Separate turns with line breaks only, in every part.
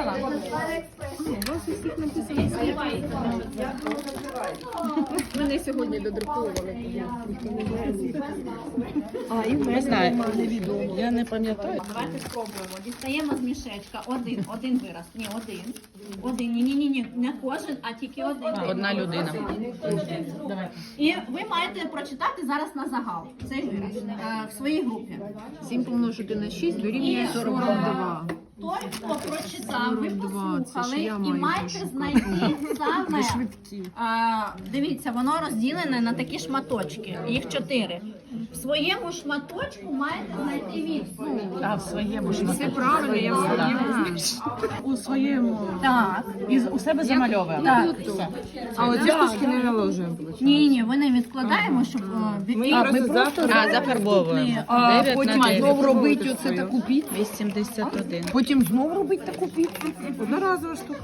вибрала?
Мене сьогодні додруковували.
Не знаю, я не пам'ятаю.
Давайте спробуємо. Дістаємо з мішечка. Один вираз. Ні, один. Ні, не кожен, а тільки один.
Одна людина.
І ви маєте прочитати зараз на загал цей вираз в своїй групі.
7 помножити на 6 дорівнює 42.
Той, хто прочитав, ви
42, це
послухали
ж я
і
маю
маєте
пошукати.
знайти саме.
Швидкі.
Дивіться, воно розділене на такі шматочки. Їх 4. В своєму шматочку маєте знайти відповідь.
А в своєму ж
Все правильно, я в своєму.
у своєму.
Так.
І у себе замальовуємо.
Так.
Все.
А оці штучки не наложуємо.
Ні, ви не відкладаємо, щоб
Зафарбовуємо.
А
9
потім
на 9.
знову робити оце таку піцу.
81.
Потім знову робити таку піцу. Одноразова штука.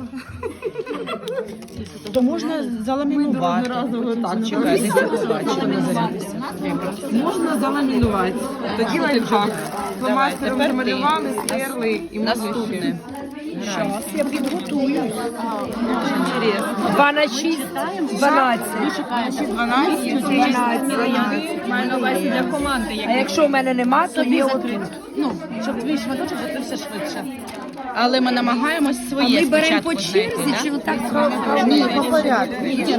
То можна заламінувати. Так, чекайте,
Можна заламінувати. Тоді лайфхак. Фломастером
тепер ти.
намалювали, стерли і
Наступне.
Зараз я підготую.
2 на 6, 12.
12.
Маю на увазі для команди.
А якщо в мене нема, то є один.
Ну, щоб твій шматочок, то це все швидше. Але ми намагаємось своє
Ми беремо
спочатку
по черзі,
знайти,
чи
да?
отак
Ні, по порядку.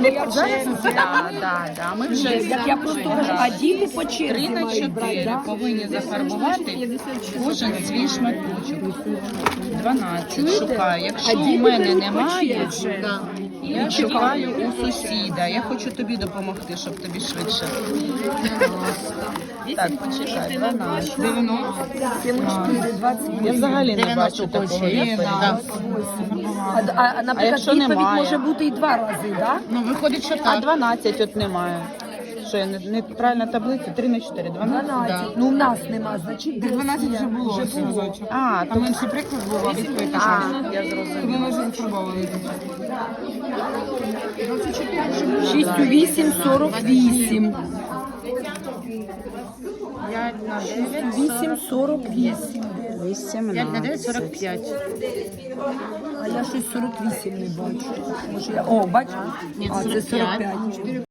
Да. Ми вже
як я просто кажу, а діти по
3
черзі
на
мають брати,
4
да?
повинні зафарбувати кожен свій шматочок. 12 шукаю. Якщо у мене немає, я шукаю у сусіда. Я хочу тобі допомогти, щоб тобі швидше. Так, почекай, 12.
4, 20.
Я взагалі не бачу такого відповіді.
А, наприклад,
якщо
відповідь
немає?
може бути і 2 рази, так?
Ну, виходить, що так. А 12 от немає. Що, я неправильна таблиця? 3 на 4, 12?
12. Ну, в нас нема, значить,
12 вже було.
А,
Там інший приклад був, а відповідь така.
я зрозуміла.
Ми вже зафарбовували.
6 у 8, 48.
5 на 9,
8, 48.
18, 45.
А я щось 48 не бачу. Може, я... О, бачу?
Ні,
А, це
45.
45.